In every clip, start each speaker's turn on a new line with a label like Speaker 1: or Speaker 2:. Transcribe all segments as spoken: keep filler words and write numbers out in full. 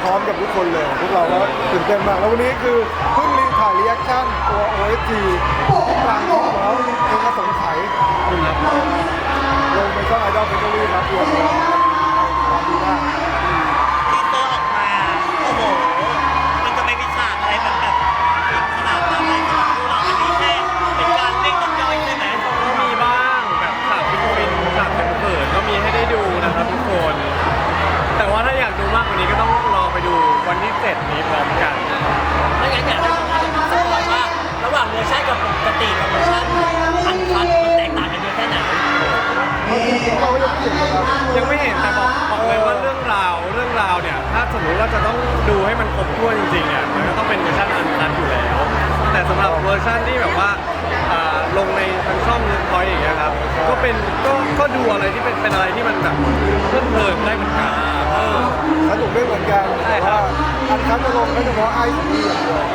Speaker 1: ร้อมกับทุกคนเลยพวกเราก็ตื่นเต้นมากแล้ววันนี้คือเพิ่งรีถ่ายรีแอคชั่นตัว โอ เอส จี กลางคลิปแล้วเพลงอสงไขยลงไปช่องไอดอลเฟเจอรี่ครับรวมแล้วดูได้
Speaker 2: ที่ตัวออกมาโอ้โหมันจะไม่มีฉากอะไรมันแบบขนาดนั้นเลยสำหรับพวกเราอันนี้แค่เป็นการเล่นน้ำย่อยใช่ไหม
Speaker 3: ก็มีบ้างแบบฉากฟินฟินฉากเขินๆก็มีให้ได้ดูนะครับทุกคนแต่ว่าถ้าอยากดูมากกว่านี้ก็ต้องรอไปดูวันที่เจ็ดนี้พร้อมกัน
Speaker 2: ไม่งั้นอยากให้ผมสปอยว่าระหว่างเวอร์ชันกับปกติกับเวอร์ชันอันคัทมันแตกต่างกันเยอะแค่ไหน
Speaker 1: เรายังไม่เห็นครับ
Speaker 3: ยังไม่เห็นแต่บอกบอกเลยว่าเรื่องราวเรื่องราวเนี่ยถ้าสมมติว่าจะต้องดูให้มันครบถ้วนจริงๆเนี่ยมันก็ต้องเป็นเวอร์ชันอันคัทอยู่แล้วแต่สำหรับเวอร์ชันที่แบบว่าลงในทางช่องพอยอย่างเงี้ยครับก็เป็นก็ก็ดูอะไรที่เป็นเป็นอะไรที่มันแบบเพลิดเพลินได้เหมือนกัน
Speaker 1: สนุกด้วยเหมือนกัน
Speaker 3: ใช่ครับ
Speaker 1: อันคัทจะลงก็เฉพาะไอซ์ดีอย่างเดียว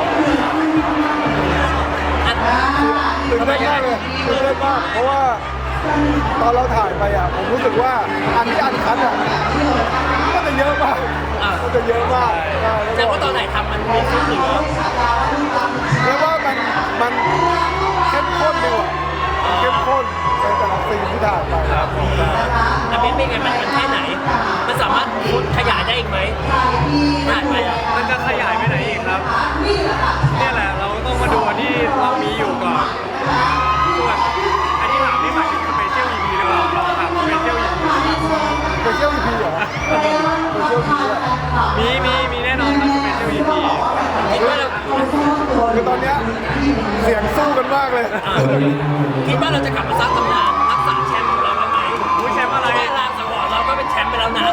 Speaker 1: ตื่นเต้นมากเลยตื่นเต้นมากเพราะว่าตอนเราถ่ายไปอ่ะผมรู้สึกว่าอันที่อันคัทอ่ะมันจะเยอะมากมันจะเยอะมาก
Speaker 2: แต่ว่าตอนไหนทำมันมีซึ้งหรือ
Speaker 1: เรียกว่ามันมันเข้มข้นดีกว่าเข้มข้นในแต่ละซีนที่ถ่ายไปครับ
Speaker 2: อันนี้เป็นไงมันเป็นแค่ไหนมันสามารถขยายได้อีกไหมถ่ายไปอ่ะ
Speaker 3: มันจะขยายไปไหนอีกครับนี่แหละเราต้องมาดูที่เรามีอยู่ก่อนส่วนอันที่ถามนี่หมายถึงสเปเชียล อี พี หรือเปล่าเราถามสเปเชียล อี พี
Speaker 1: สเปเชียล อี พี เหรอสเปเชียล อี พี
Speaker 3: มีมีมีแน่นอนครับสเปเชียล อี พี
Speaker 1: คือตอนเนี้ยเสียงสู้กันมากเลย
Speaker 2: คิดว่าเราจะกลับมาสร้างตำนานรักษาแชมป์ของเราได้ไหม
Speaker 3: อุ้ยแชมป์อะไร
Speaker 2: แค่ลางสังหรณ์เราก็เป็นแชมป์ไปแล้วนะ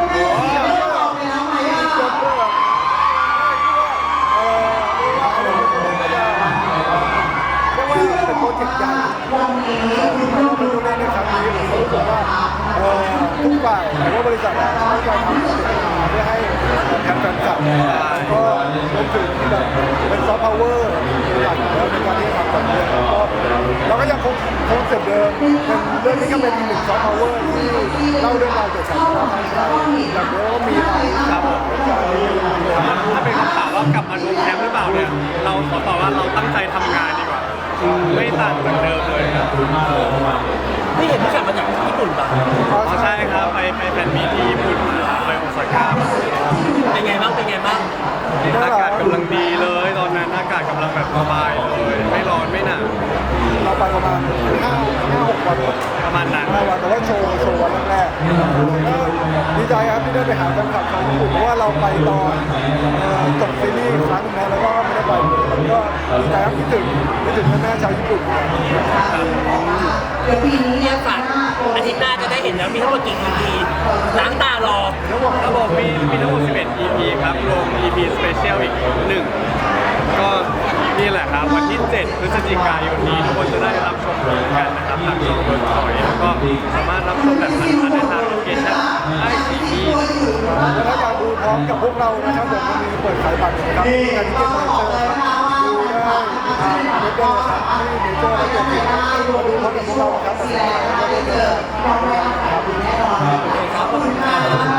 Speaker 1: เป็นโปรเจกต์ใหญ่เราไปดูในครั้งนี้ผมรู้สึกว่าทุกฝ่ายหรือว่าบริษัทตั้งใจทำโปรเจกต์มาเพื่อให้แทนแฟนคลับก็รวมถึงแบบเป็นซอฟต์พาวเวอร์หลักแล้วในการที่ทำแบบนี้ก็เราก็ยังคงคงเสร็จเดิมเป็นเรื่องนี้ก็เป็นอีกหนึ่งซอฟต์พาวเวอร์ที่เล่าเรื่องราวเกี่ยวกับการทำไทยแบบนี้ก็มีอะไรครับ
Speaker 3: ถ้าเป็นคำถามว่ากลับมาทวงแชมป์หรือเปล่าเนี่ยเราขอตอบว่าเราตั้งใจทำงานดีกว่าไม่ต่างจากเดิมเลยครับ
Speaker 2: ไม่เห็นที่กลับมาจากญี่ปุ่นป่ะ
Speaker 3: อ๋อใช่ครับไปไปแฟนมีที่ญี่ปุ่นมาไปโอซาก้า
Speaker 2: เป็นไงบ้างเป็นไงบ้าง
Speaker 3: อากาศกำลังดีเลยตอนนั้นอากาศกำลังแบบสบายเลยไม่ร้อนไม่หนาว
Speaker 1: เราไปประมาณห้าห้าหกวัน
Speaker 3: ประมาณนั้น
Speaker 1: ห้าวันแต่ว่าโชว์โชว์วันแรกดีใจครับที่ได้ไปหาแฟนคลับชาวญี่ปุ่นเพราะว่าเราไปตอนจบซีรีส์ครั้งนึงแล้วก็ไม่ได้ไปก็ดีใจครับคิดถึงคิดถึงแม่ชาวญี่ปุ่น
Speaker 2: เดี๋ยวปีนี้เนี่ยฝากอาทิตย์หน้าจะได้เห็นแล้วมีทั้งหมดกี่ อี พี ล้างตารอ
Speaker 3: ระบบมีมีทั้งหมดสิบเอ็ด อี พี ครับรวม อี พี Special อีกหนึ่งก็นี่แหละครับวันที่เจ็ดพฤศจิกายนนี้ทุกคนจะได้รับชมกันนะครับทางช่องเวิร์กพอยต์แล้วก็สามารถรับชมแบบทันทันได้ทางแอปพลิเคชันไอซีที
Speaker 1: แล้วถ้าอยากดูพร้อมกับพวกเรานะครับผมจะมีเปิดขายบัตรนะครับที่การที่เก็ตเมเจอร์ดูได้ทางเว็บได้เลยครับที่เมเจอร์และตัวผิดมาดูพร้อมกับพวกเราครับขอบคุณครับ